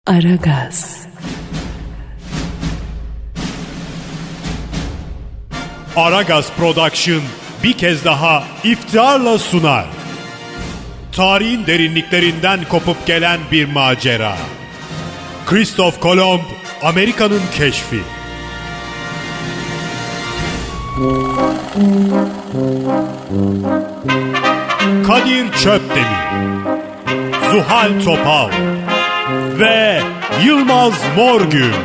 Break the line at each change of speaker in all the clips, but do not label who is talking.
Aragaz.
Aragaz Production bir kez daha iftiharla sunar. Tarihin derinliklerinden kopup gelen bir macera. Christoph Kolomb, Amerika'nın keşfi. Kadir Çöpdemir, Zuhal Topal ve Yılmaz Morgül.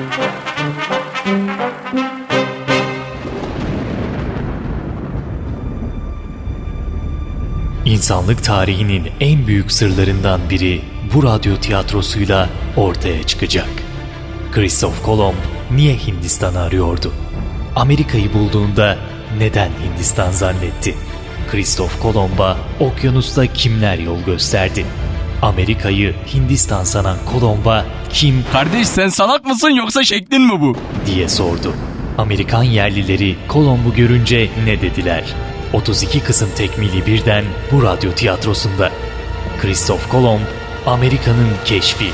İnsanlık tarihinin en büyük sırlarından biri bu radyo tiyatrosuyla ortaya çıkacak. Christoph Kolomb niye Hindistan'ı arıyordu? Amerika'yı bulduğunda neden Hindistan zannetti? Christoph Kolomb'a okyanusta kimler yol gösterdi? Amerika'yı Hindistan sanan Kolomb'a kim
Kardeş sen salak mısın yoksa şeklin mi bu?
diye sordu. Amerikan yerlileri Kolomb'u görünce ne dediler? 32 kısım tekmili birden bu radyo tiyatrosunda. Christoph Kolomb, Amerika'nın keşfi.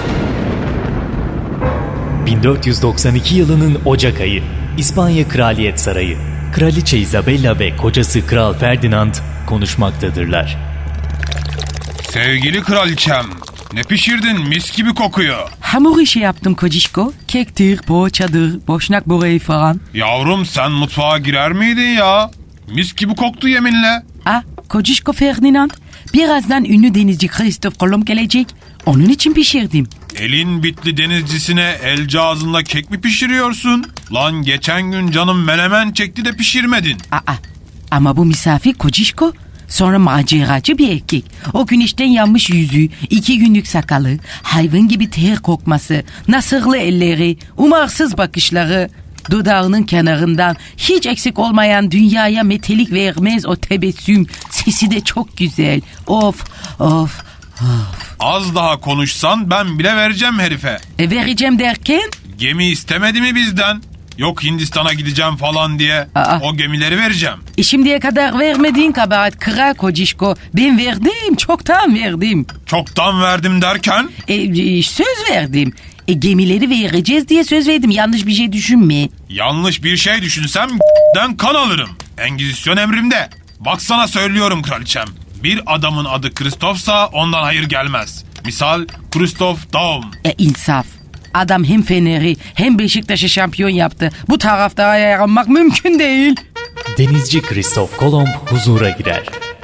1492 yılının Ocak ayı, İspanya Kraliyet Sarayı. Kraliçe Isabella ve kocası Kral Ferdinand konuşmaktadırlar.
Sevgili kraliçem, ne pişirdin, mis gibi kokuyor.
Hamur işi yaptım kocişko. Kektir, poğaçadır, boşnak böreği falan.
Yavrum sen mutfağa girer miydin ya? Mis gibi koktu yeminle.
Kocişko Ferdinand. Birazdan ünlü denizci Christoph Kolomb gelecek. Onun için pişirdim.
Elin bitli denizcisine el cağızınla kek mi pişiriyorsun? Lan geçen gün canım menemen çekti de pişirmedin.
Ama bu misafir kocişko. Sonra maceracı bir erkek. O güneşten yanmış yüzü, 2 günlük sakalı, hayvan gibi ter kokması, nasırlı elleri, umarsız bakışları, dudağının kenarından hiç eksik olmayan dünyaya metelik vermez o tebessüm, sesi de çok güzel. Of.
Az daha konuşsan ben bile vereceğim herife.
Vereceğim derken?
Gemi istemedi mi bizden? Yok Hindistan'a gideceğim falan diye. O gemileri vereceğim.
Şimdiye kadar vermediğin kabahat kral kocişko. Ben verdim, çoktan verdim.
Çoktan verdim derken?
Söz verdim. Gemileri vereceğiz diye söz verdim. Yanlış bir şey düşünme.
Yanlış bir şey düşünsem den kan alırım. Engizisyon emrimde. Baksana söylüyorum kraliçem. Bir adamın adı Christoph'sa ondan hayır gelmez. Misal Christoph Daum.
İnsaf. Adam hem Fener'i hem Beşiktaş'ı şampiyon yaptı. Bu taraftara yaranmak mümkün değil.
Denizci Christoph Kolomb huzura girer.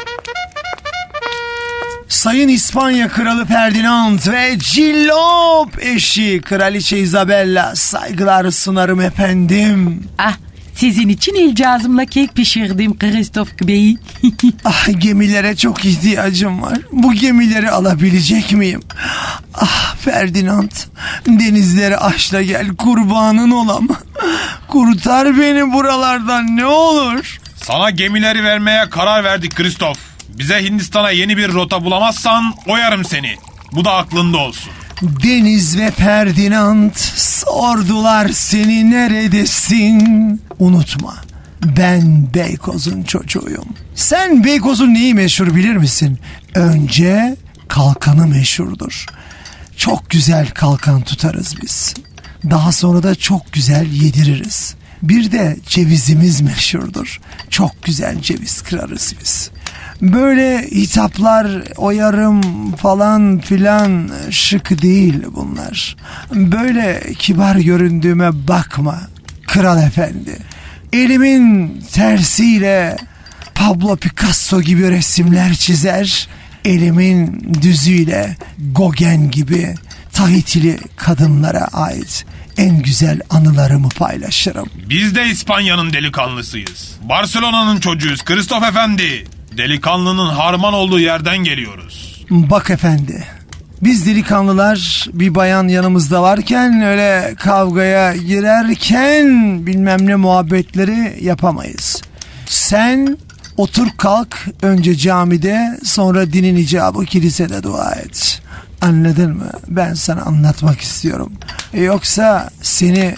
Sayın İspanya Kralı Ferdinand ve cillop eşi Kraliçe Isabella, saygılar sunarım efendim.
Sizin için el cazımla kek pişirdim Christoph Bey.
Gemilere çok ihtiyacım var. Bu gemileri alabilecek miyim? Ferdinand, denizleri aşla gel, kurbanın olam. Kurtar beni buralardan ne olur.
Sana gemileri vermeye karar verdik Christoph. Bize Hindistan'a yeni bir rota bulamazsan oyarım seni. Bu da aklında olsun.
Deniz ve Ferdinand sordular seni neredesin? Unutma, ben Beykoz'un çocuğuyum. Sen Beykoz'un neyi meşhur bilir misin? Önce kalkanı meşhurdur. Çok güzel kalkan tutarız biz. Daha sonra da çok güzel yediririz. Bir de cevizimiz meşhurdur. Çok güzel ceviz kırarız biz. Böyle hitaplar oyarım falan filan şık değil bunlar. Böyle kibar göründüğüme bakma kral efendi. Elimin tersiyle Pablo Picasso gibi resimler çizer. Elimin düzüyle Gauguin gibi Tahitili kadınlara ait en güzel anılarımı paylaşırım.
Biz de İspanya'nın delikanlısıyız. Barcelona'nın çocuğuyuz Christoph Efendi. Delikanlının harman olduğu yerden geliyoruz.
Bak efendi, biz delikanlılar bir bayan yanımızda varken öyle kavgaya girerken bilmem ne muhabbetleri yapamayız. Sen otur kalk, önce camide, sonra dinin icabı kilisede dua et. Anladın mı? Ben sana anlatmak istiyorum. Yoksa seni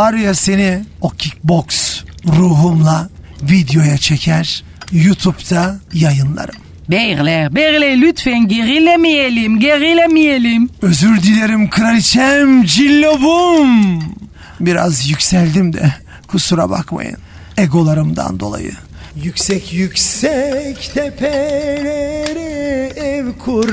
o kickbox ruhumla videoya çeker, YouTube'da yayınlarım.
Beyler lütfen gerilemeyelim.
Özür dilerim kraliçem, cillobum. Biraz yükseldim de kusura bakmayın egolarımdan dolayı. Yüksek tepelere ev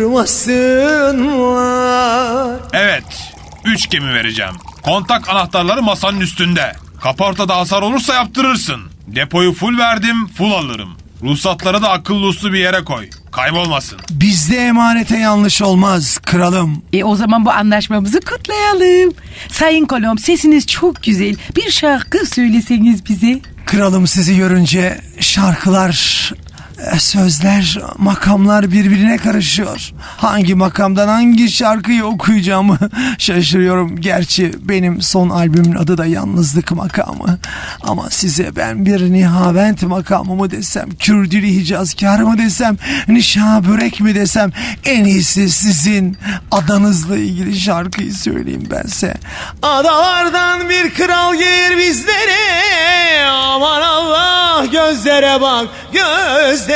kurmasınlar.
Evet, 3 gemi vereceğim. Kontak anahtarları masanın üstünde. Kaportada hasar olursa yaptırırsın. Depoyu full verdim, full alırım. Ruhsatları da akıllı uslu bir yere koy. Kaybolmasın.
Bizde emanete yanlış olmaz kralım.
O zaman bu anlaşmamızı kutlayalım. Sayın Kolomb, sesiniz çok güzel. Bir şarkı söyleseniz bize.
Kralım, sizi görünce şarkılar, sözler, makamlar birbirine karışıyor. Hangi makamdan hangi şarkıyı okuyacağımı şaşırıyorum. Gerçi benim son albümün adı da Yalnızlık makamı. Ama size ben bir Nihavent makamı mı desem, Kürdili Hicazkar mı desem, Nişa Börek mi desem, en iyisi sizin adanızla ilgili şarkıyı söyleyeyim bense. Adalardan bir kral gelir bizlere, aman Allah gözlere bak gözlere.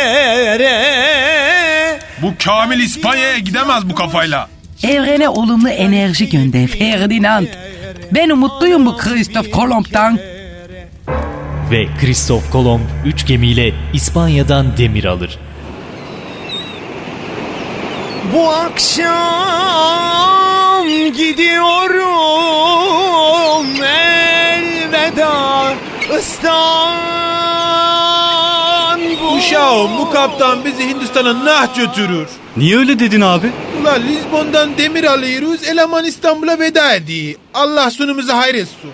Bu Kamil İspanya'ya gidemez bu kafayla.
Evrene olumlu enerji gönder Ferdinand. Ben umutluyum bu Christoph Kolomb'tan.
Ve Christoph Kolomb 3 gemiyle İspanya'dan demir alır.
Bu akşam gidiyorum, elveda İstanbul.
Uşağım, bu kaptan bizi Hindistan'a nah götürür.
Niye öyle dedin abi?
Ulan Lizbon'dan demir alıyoruz, eleman İstanbul'a veda ediyor. Allah sonumuzu hayretsin.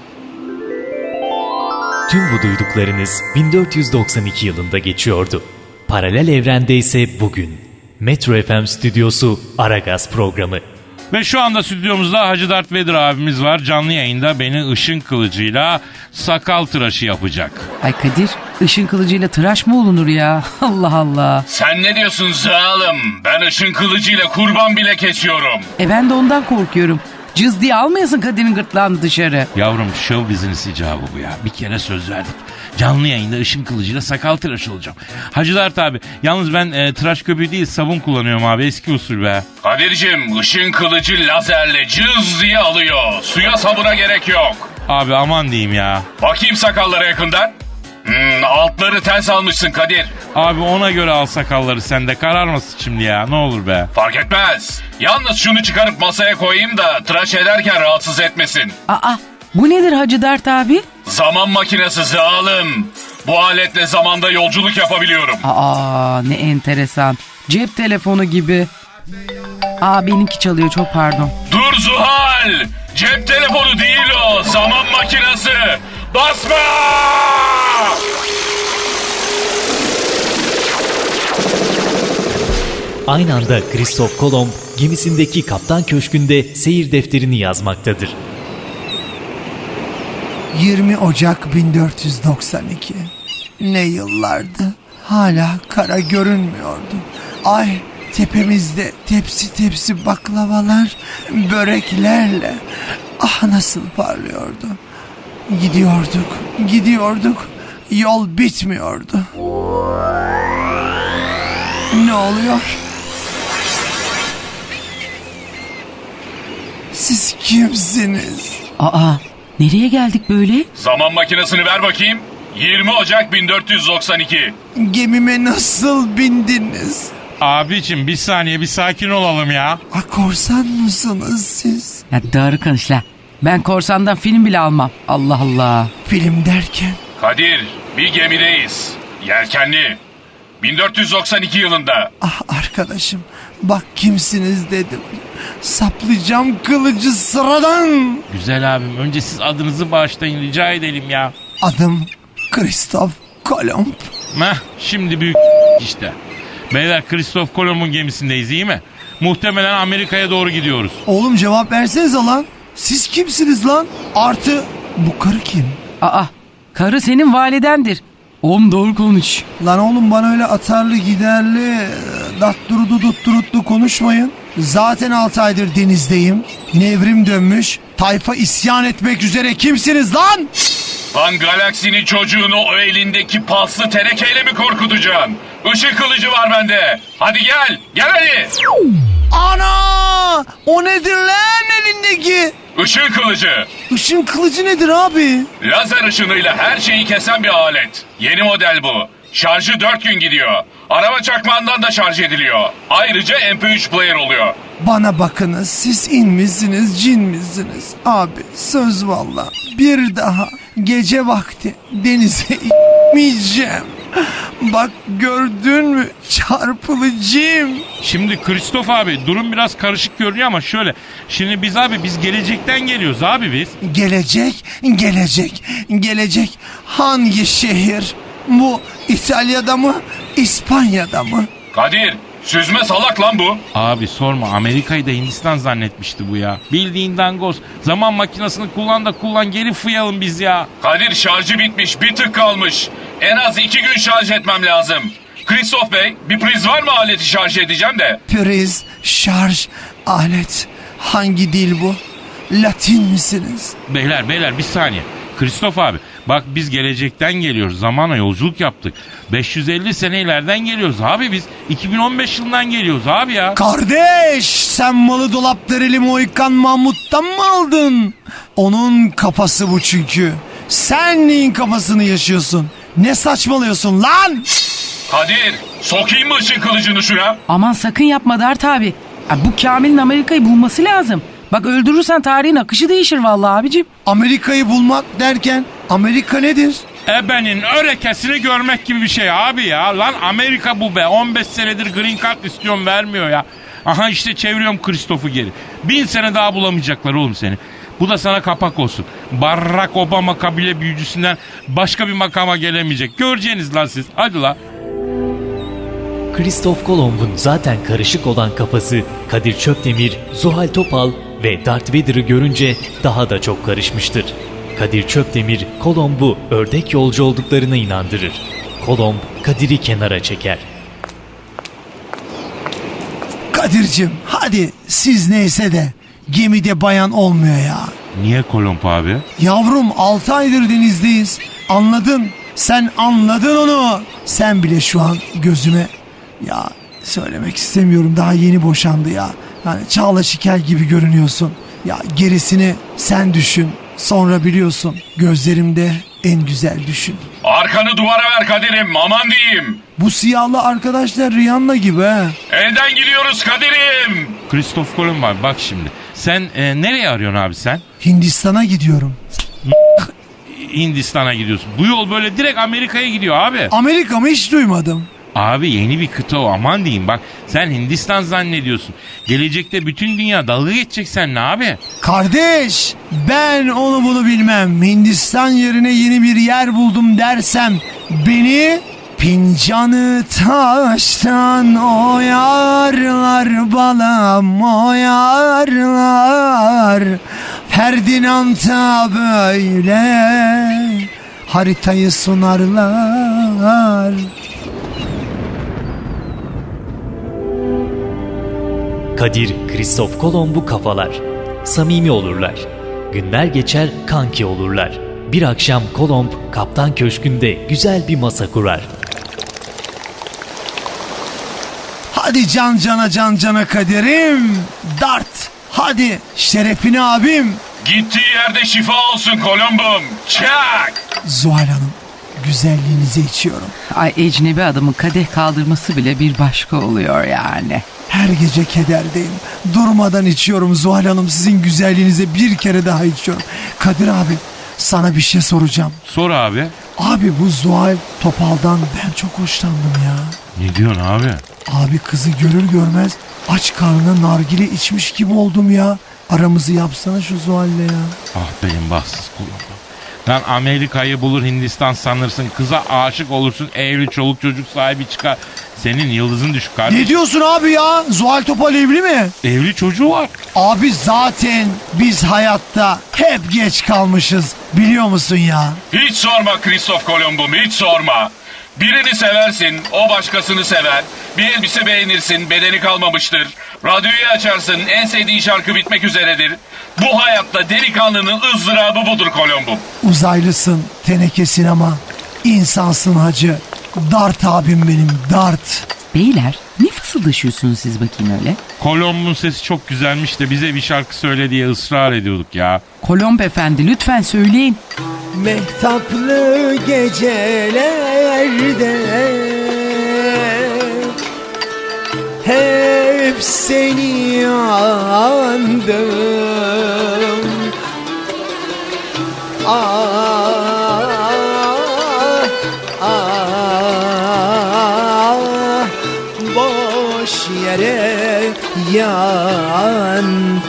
Tüm bu duyduklarınız 1492 yılında geçiyordu. Paralel evrende ise bugün. Metro FM stüdyosu Aragaz programı.
Ve şu anda stüdyomuzda Hacı Dert Vedir abimiz var. Canlı yayında beni ışın kılıcıyla sakal tıraşı yapacak.
Ay Kadir, ışın kılıcıyla tıraş mı olunur ya? Allah Allah.
Sen ne diyorsun zalim? Ben ışın kılıcıyla kurban bile kesiyorum.
Ben de ondan korkuyorum. Cız diye almayasın Kadir'in gırtlağını dışarı.
Yavrum show business icabı bu ya. Bir kere söz verdik. Canlı yayında ışın kılıcıyla sakal tıraşı olacağım. Hacı Dert abi, yalnız ben tıraş köpüğü değil sabun kullanıyorum abi, eski usul be.
Kadir'cim, ışın kılıcı lazerle cız diye alıyor. Suya sabuna gerek yok.
Abi aman diyeyim ya.
Bakayım sakallara yakından. Altları ters almışsın Kadir.
Abi ona göre al sakalları, sen de kararmasın şimdi ya, ne olur be.
Fark etmez. Yalnız şunu çıkarıp masaya koyayım da tıraş ederken rahatsız etmesin.
Aa, bu nedir Hacı Dert abi?
Zaman makinesi zalim. Bu aletle zamanda yolculuk yapabiliyorum.
Aa, ne enteresan. Cep telefonu gibi. Aa, benimki çalıyor, çok pardon.
Dur Zuhal. Cep telefonu değil o. Zaman makinesi. Basma!
Aynı anda Christoph Kolomb gemisindeki kaptan köşkünde seyir defterini yazmaktadır.
20 Ocak 1492. Ne yıllardı. Hala kara görünmüyordu. Ay tepemizde tepsi tepsi baklavalar, böreklerle ah nasıl parlıyordu. Gidiyorduk. Yol bitmiyordu. Ne oluyor? Siz kimsiniz?
Aa, nereye geldik böyle?
Zaman makinesini ver bakayım. 20 Ocak 1492.
Gemime nasıl bindiniz?
Abicim bir saniye, bir sakin olalım ya.
Korsan mısınız siz?
Ya doğru konuş la. Ben korsandan film bile almam. Allah Allah.
Film derken?
Kadir, bir gemideyiz. Yelkenli. 1492 yılında.
Ah arkadaşım, bak kimsiniz dedim. Saplayacağım kılıcı sıradan.
Güzel abim, önce siz adınızı bağışlayın rica edelim ya.
Adım Christoph Kolomb.
Şimdi büyük işte. Beyler, Christoph Kolomb'un gemisindeyiz, iyi mi? Muhtemelen Amerika'ya doğru gidiyoruz.
Oğlum cevap versenize lan. Siz kimsiniz lan? Artı bu karı kim?
Aa, karı senin validendir. Oğlum doğru konuş.
Lan oğlum bana öyle atarlı giderli datturudu dutturutlu konuşmayın. Zaten 6 aydır denizdeyim. Nevrim dönmüş. Tayfa isyan etmek üzere, kimsiniz lan?
Lan Galaksinin çocuğunu o elindeki paslı tenekeyle mi korkutacaksın? Işın kılıcı var bende. Hadi gel. Gel hadi.
Ana! O nedir lan elindeki?
Işın kılıcı.
Işın kılıcı nedir abi?
Lazer ışınıyla her şeyi kesen bir alet. Yeni model bu. Şarjı 4 gün gidiyor. Araba çakmağından da şarj ediliyor. Ayrıca MP3 player oluyor.
Bana bakınız, siz in misiniz, cin misiniz? Abi söz valla bir daha gece vakti denize inmeyeceğim. Bak gördün mü çarpılıcım.
Şimdi Kristof abi durum biraz karışık görünüyor ama şöyle. Şimdi biz gelecekten geliyoruz abi biz.
Gelecek hangi şehir? Bu İtalya'da mı, İspanya'da mı?
Kadir, süzme salak lan bu.
Abi sorma, Amerika'yı da Hindistan zannetmişti bu ya. Bildiğin dangoz. Zaman makinesini kullan geri fıyalım biz ya.
Kadir şarjı bitmiş, bir tık kalmış. En az 2 gün şarj etmem lazım. Kristof Bey, bir priz var mı aleti şarj edeceğim de?
Priz, şarj, alet. Hangi dil bu? Latin misiniz?
Beyler bir saniye. Kristof abi bak biz gelecekten geliyoruz. Zamana yolculuk yaptık. 550 sene ileriden geliyoruz abi biz. 2015 yılından geliyoruz abi ya.
Kardeş, sen malı dolapdereli Mohikan Mahmut'tan mı aldın? Onun kafası bu çünkü. Sen neyin kafasını yaşıyorsun? Ne saçmalıyorsun lan?
Kadir, sokayım mı ışın kılıcını şuna?
Aman sakın yapma Dert abi. Bu Kamil'in Amerika'yı bulması lazım. Bak öldürürsen tarihin akışı değişir vallahi abicim.
Amerika'yı bulmak derken Amerika nedir?
Ebenin örekesini görmek gibi bir şey abi ya. Lan Amerika bu be. 15 senedir green card istiyorum vermiyor ya. Aha işte çeviriyorum Kristof'u geri. 1000 sene daha bulamayacaklar oğlum seni. Bu da sana kapak olsun. Barack Obama kabile büyücüsünden başka bir makama gelemeyecek. Göreceğiniz lan siz. Hadi la.
Kristof Kolomb'un zaten karışık olan kafası Kadir Çöpdemir, Zuhal Topal ve Darth Vader'ı görünce daha da çok karışmıştır. Kadir Çöpdemir, Kolomb'u ördek yolcu olduklarına inandırır. Kolomb, Kadir'i kenara çeker.
Kadir'cim hadi siz neyse de gemide bayan olmuyor ya.
Niye Kolomb abi?
Yavrum 6 aydır denizdeyiz. Anladın. Sen anladın onu. Sen bile şu an gözüme ya söylemek istemiyorum, daha yeni boşandı ya. Yani Çağla Şikel gibi görünüyorsun. Ya gerisini sen düşün. Sonra biliyorsun gözlerimde en güzel düşün.
Arkanı duvara ver Kadir'im, aman diyeyim.
Bu siyahlı arkadaşlar Rihanna gibi ha.
Elden gidiyoruz Kadir'im.
Kristof Kolomb abi bak şimdi. Sen nereye arıyorsun abi sen?
Hindistan'a gidiyorum.
Hindistan'a gidiyorsun. Bu yol böyle direkt Amerika'ya gidiyor abi.
Amerika mı hiç duymadım.
Abi yeni bir kıta o, aman diyeyim bak. Sen Hindistan zannediyorsun. Gelecekte bütün dünya dalga geçecek seninle abi.
Kardeş ben onu bunu bilmem. Hindistan yerine yeni bir yer buldum dersem beni fincanı taştan oyarlar balam oyarlar. Ferdinand'a böyle haritayı sunarlar.
Kadir, Kristof Kolomb'u kafalar. Samimi olurlar. Günler geçer, kanki olurlar. Bir akşam Kolomb, kaptan köşkünde güzel bir masa kurar.
Hadi can cana Kadir'im. Dart. Hadi şerefine abim.
Gittiği yerde şifa olsun Kolomb'um. Çak!
Zuhal Hanım güzelliğinizi içiyorum.
Ay ecnebi adamın kadeh kaldırması bile bir başka oluyor yani.
Her gece kederdeyim. Durmadan içiyorum Zuhal Hanım, sizin güzelliğinize bir kere daha içiyorum. Kadir abi sana bir şey soracağım.
Sor abi.
Abi bu Zuhal Topal'dan ben çok hoşlandım ya.
Ne diyorsun abi?
Abi kızı görür görmez aç karnına nargile içmiş gibi oldum ya. Aramızı yapsana şu Zuhal'le ya.
Ah benim bahtsız kulum. Lan Amerika'yı bulur Hindistan sanırsın. Kıza aşık olursun. Evli çoluk çocuk sahibi çıkar. Senin yıldızın düşük kardeşim.
Ne diyorsun abi ya? Zuhal Topal evli mi?
Evli çocuğu var.
Abi zaten biz hayatta hep geç kalmışız. Biliyor musun ya?
Hiç sorma Kristof Kolomb'um, hiç sorma. Birini seversin, o başkasını sever. Bir elbise beğenirsin, bedeni kalmamıştır. Radyoyu açarsın, en sevdiğin şarkı bitmek üzeredir. Bu hayatta delikanlının ızdırabı budur Kolomb'um.
Uzaylısın, tenekesin ama insansın hacı. Dart abim benim, dart.
Beyler ne fısıldaşıyorsunuz siz bakayım öyle?
Kolomb'un sesi çok güzelmiş de bize bir şarkı söyle diye ısrar ediyorduk ya.
Kolomb efendi lütfen söyleyin.
Mehtaplı gecelerde hep seni andım. Ah, ah, boş yere yandım.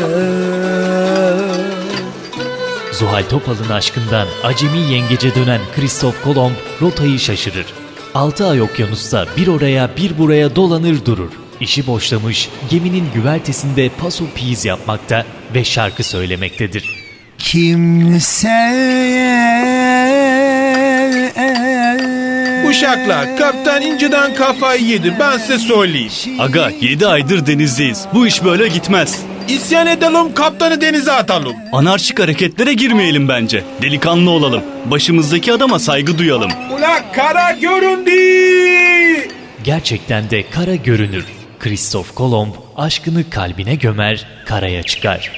Zuhal Topal'ın aşkından acemi yengece dönen Christoph Kolomb rotayı şaşırır. 6 ay okyanusta bir oraya bir buraya dolanır durur. İşi boşlamış, geminin güvertesinde paso piz yapmakta ve şarkı söylemektedir.
Uşaklar, kaptan inceden kafayı yedi, ben size söyleyeyim.
Aga 7 aydır denizdeyiz. Bu iş böyle gitmez.
İsyan edelim, kaptanı denize atalım.
Anarşik hareketlere girmeyelim bence. Delikanlı olalım. Başımızdaki adama saygı duyalım.
Ula kara göründü.
Gerçekten de kara görünür. Christoph Kolomb aşkını kalbine gömer, karaya çıkar.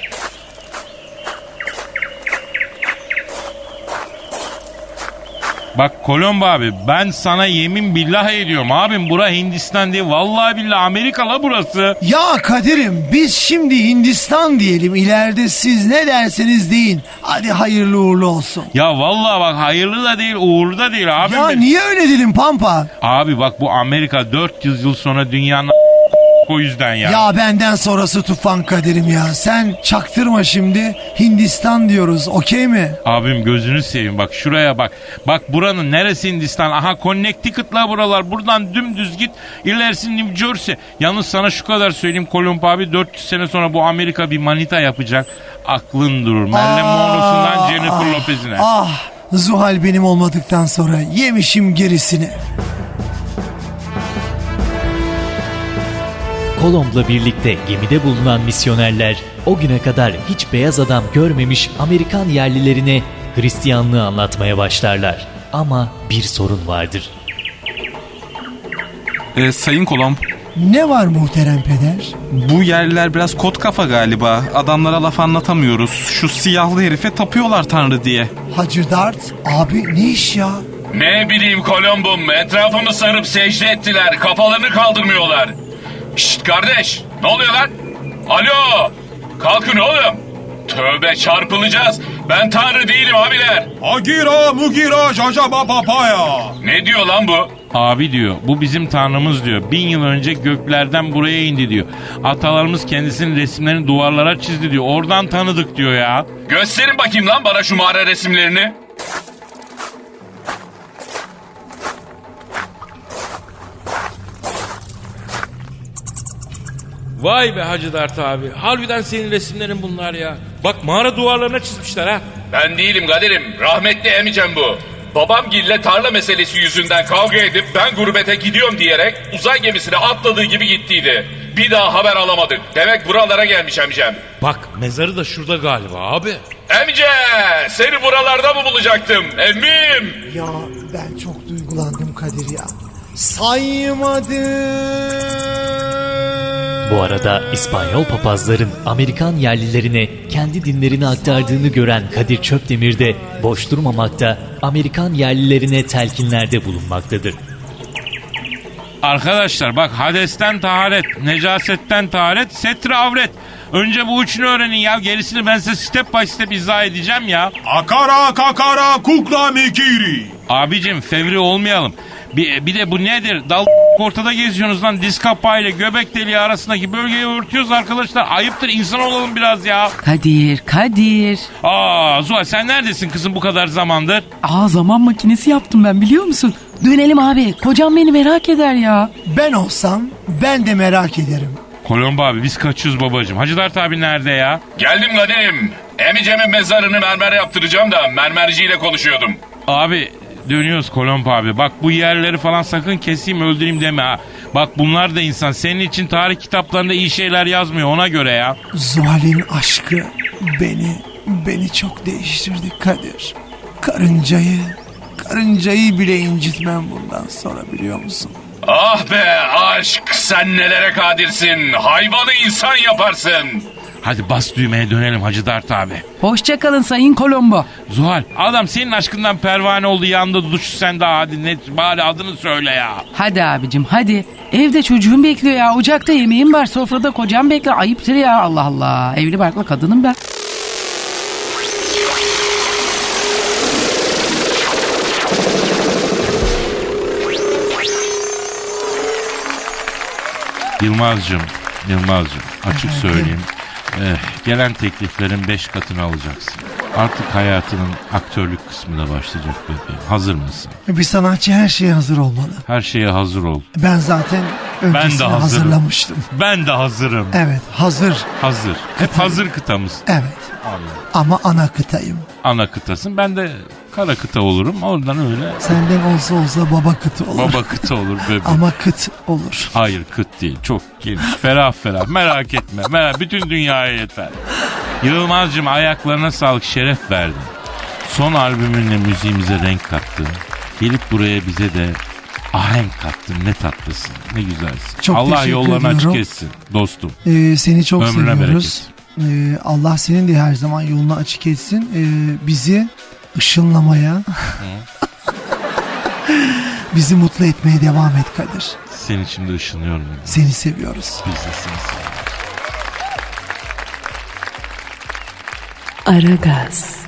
Bak Kolomb abi ben sana yemin billah ediyorum abim bura Hindistan değil vallahi billahi Amerika la burası.
Ya Kadir'im biz şimdi Hindistan diyelim, ileride siz ne derseniz deyin. Hadi hayırlı uğurlu olsun.
Ya vallahi bak hayırlı da değil uğurlu da değil abim.
Ya niye öyle dedin Pampa?
Abi bak bu Amerika 400 yıl sonra dünyanın o yüzden ya.
Ya benden sonrası tufan Kadir'im ya. Sen çaktırma şimdi, Hindistan diyoruz, okey mi?
Abim gözünü seveyim bak şuraya bak. Bak buranın neresi Hindistan? Aha Connecticut'la buralar. Buradan dümdüz git. İlerisi New Jersey. Yalnız sana şu kadar söyleyeyim Kolomb abi 400 sene sonra bu Amerika bir manita yapacak. Aklın durur. Marilyn Monroe'sundan Jennifer Lopez'ine.
Ah, Zuhal benim olmadıktan sonra yemişim gerisini.
Kolomb'la birlikte gemide bulunan misyonerler o güne kadar hiç beyaz adam görmemiş Amerikan yerlilerine Hristiyanlığı anlatmaya başlarlar. Ama bir sorun vardır.
Sayın Kolomb,
Ne var muhterem peder?
bu yerliler biraz kot kafa galiba. Adamlara laf anlatamıyoruz. Şu siyahlı herife tapıyorlar Tanrı diye.
Hacı Dert abi, ne iş ya?
Ne bileyim Kolomb'um, etrafımı sarıp secde ettiler, kafalarını kaldırmıyorlar. Şşt kardeş, ne oluyor lan? Alo, kalkın oğlum. Tövbe çarpılacağız. Ben Tanrı değilim abiler.
Agira mugira jaja papaya.
Ne diyor lan bu?
Abi diyor bu bizim tanrımız diyor. 1000 yıl önce göklerden buraya indi diyor. Atalarımız kendisinin resimlerini duvarlara çizdi diyor. Oradan tanıdık diyor ya.
Gösterin bakayım lan bana şu mağara resimlerini.
Vay be Hacı Dert abi. Harbiden senin resimlerin bunlar ya. Bak mağara duvarlarına çizmişler ha.
Ben değilim Kadir'im. Rahmetli emicem bu. Babamgille tarla meselesi yüzünden kavga edip ben gurbete gidiyorum diyerek uzay gemisine atladığı gibi gittiydi. Bir daha haber alamadık. Demek buralara gelmiş emicem.
Bak mezarı da şurada galiba abi.
Emice seni buralarda mı bulacaktım emmim?
Ya ben çok duygulandım Kadir ya. Saymadım.
Bu arada İspanyol papazların Amerikan yerlilerine kendi dinlerini aktardığını gören Kadir Çöpdemir de boş durmamakta, Amerikan yerlilerine telkinlerde bulunmaktadır.
Arkadaşlar bak Hades'ten taharet, necasetten taharet, setre avret. Önce bu üçünü öğrenin ya. Gerisini ben size step by step izah edeceğim ya.
Akara kakara kukla mikiri.
Abicim fevri olmayalım. Bir de bu nedir? Dal ortada geziyorsunuz lan. Diz kapağıyla göbek deliği arasındaki bölgeyi örtüyoruz arkadaşlar. Ayıptır, insan olalım biraz ya.
Kadir.
Zuhal sen neredesin kızım bu kadar zamandır?
Zaman makinesi yaptım ben, biliyor musun? Dönelim abi, kocam beni merak eder ya.
Ben olsam ben de merak ederim.
Kolomb abi biz kaçıyoruz babacığım. Hacı Dert abi nerede ya?
Geldim Kadir'im. Emicemin mezarını mermer yaptıracağım da mermerciyle konuşuyordum.
Abi dönüyoruz Kolomb abi. Bak bu yerleri falan sakın keseyim öldüreyim deme ha. Bak bunlar da insan. Senin için tarih kitaplarında iyi şeyler yazmıyor ona göre ya.
Zuhal'in aşkı beni çok değiştirdi Kadir. Karıncayı karıncayı bile incitmem bundan sonra, biliyor musun?
Ah be aşk, sen nelere kadirsin. Hayvanı insan yaparsın.
Hadi bas düğmeye dönelim Hacı Dert abi.
Hoşça kalın Sayın Colombo.
Zuhal, adam senin aşkından pervane oldu, yandı tutuştu, sen daha hadi net bari adını söyle ya.
Hadi abicim hadi. Evde çocuğum bekliyor ya. Ocakta yemeğim var. Sofrada kocam bekliyor. Ayıptır ya, Allah Allah. Evli barklı kadınım ben.
Yılmaz'cığım açık söyleyeyim. Gelen tekliflerin 5 katını alacaksın. Artık hayatının aktörlük kısmı da başlayacak bebeğim. Hazır mısın?
Bir sanatçı her şeye hazır olmalı.
Her şeye hazır ol.
Ben zaten öncesini
hazırım.
hazırlamıştım.
Ben de hazırım.
Evet, hazır.
Hazır. Hep hazır kıtamız.
Evet. Ama ana kıtayım.
Ana kıtasın. Ben de kara kıta olurum. Oradan öyle
Senden olsa baba kıtı olur.
baba kıta olur bebeğim.
Ama kıt olur.
Hayır kıt değil. Çok geniş. Ferah ferah. Merak etme. Bütün dünyaya yeter. Yılmaz'cığım ayaklarına sağlık, şeref verdin. Son albümünle müziğimize renk kattın. Gelip buraya bize de ahenk kattın. Ne tatlısın. Ne güzelsin.
Çok
Allah
teşekkür
yollarını açık
ediyorum.
etsin dostum.
Seni çok
Ömrüne
seviyoruz. Allah senin de her zaman yolunu açık etsin. Bizi ışınlamaya, bizi mutlu etmeye devam et Kadir.
Senin için de ışınıyorum.
Seni seviyoruz.
Biz de seni seviyoruz.
Aragaz.